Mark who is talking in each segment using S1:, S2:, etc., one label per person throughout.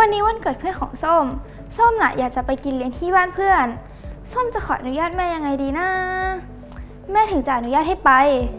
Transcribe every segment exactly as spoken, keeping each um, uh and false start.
S1: วันนี้วันเกิดเพื่อนของส้มส้มน่ะอยากจะไปกินเลี้ยงที่บ้านเพื่อนส้มจะขออนุญาตแม่ยังไงดีนะแม่ถึงจะอนุญาตให้ไป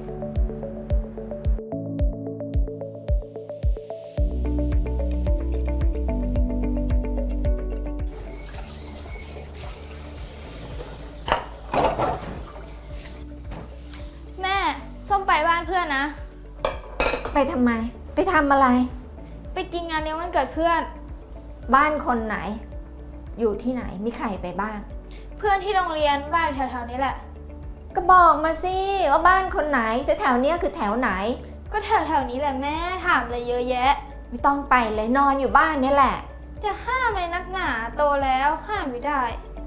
S1: แม่ส้มไปบ้านเพื่อนนะ
S2: ไปทำไมไปทำอะไร
S1: ไปกินงานเลี้ยงวันเกิดเพื่อน
S2: บ้านคนไหนอยู่ที่ไหนมีใครไปบ้าง
S1: เพื่อนที่โรงเรียนบ้านแถวๆนี้แหละ
S2: ก็บอกมาสิว่าบ้านคนไหนแต่แถวเนี้ยคือแถวไหน
S1: ก็แถวๆนี้แหละแม่ถามเลยเยอะแยะ
S2: ไม่ต้องไปเลยนอนอยู่บ้านนี่แหละ
S1: จะห้ามเลยนักหนาโตแล้วห้ามไม่ได้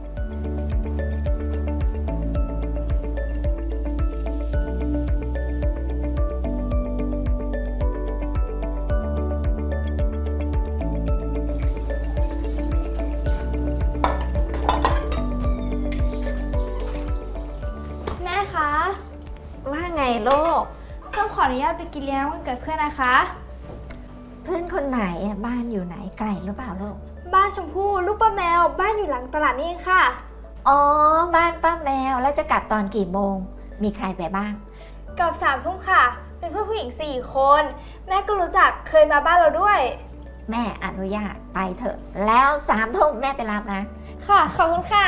S2: ว่าไงลูก
S1: ส้มขออนุญาตไปกินเลี้ยงวันเกิดเพื่อนนะคะ
S2: เพื่อนคนไหนบ้านอยู่ไหนไกลหรือเปล่าลูก
S1: บ้านชมพู่ลูกป้าแมวบ้านอยู่หลังตลาดนี่เองค่ะ
S2: อ๋อบ้านป้าแมวแล้วจะกลับตอนกี่โมงมีใครไปบ้าง
S1: กลับสามทุ่มค่ะเป็นเพื่อนผู้หญิงสี่คนแม่ก็รู้จักเคยมาบ้านเราด้วย
S2: แม่อนุญาตไปเถอะแล้วสามทุ่มแม่ไปรับนะ
S1: ค่ะขอบคุณค่ะ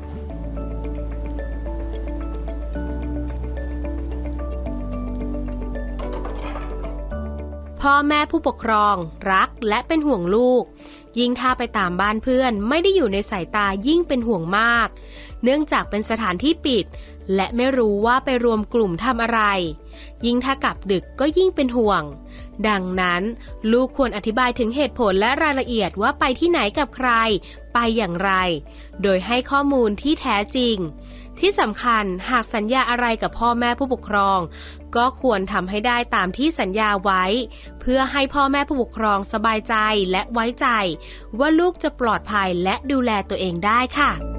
S3: พ่อแม่ผู้ปกครองรักและเป็นห่วงลูกยิ่งถ้าไปตามบ้านเพื่อนไม่ได้อยู่ในสายตายิ่งเป็นห่วงมากเนื่องจากเป็นสถานที่ปิดและไม่รู้ว่าไปรวมกลุ่มทำอะไรยิ่งถ้ากลับดึกก็ยิ่งเป็นห่วงดังนั้นลูกควรอธิบายถึงเหตุผลและรายละเอียดว่าไปที่ไหนกับใครไปอย่างไรโดยให้ข้อมูลที่แท้จริงที่สำคัญหากสัญญาอะไรกับพ่อแม่ผู้ปกครองก็ควรทำให้ได้ตามที่สัญญาไว้เพื่อให้พ่อแม่ผู้ปกครองสบายใจและไว้ใจว่าลูกจะปลอดภัยและดูแลตัวเองได้ค่ะ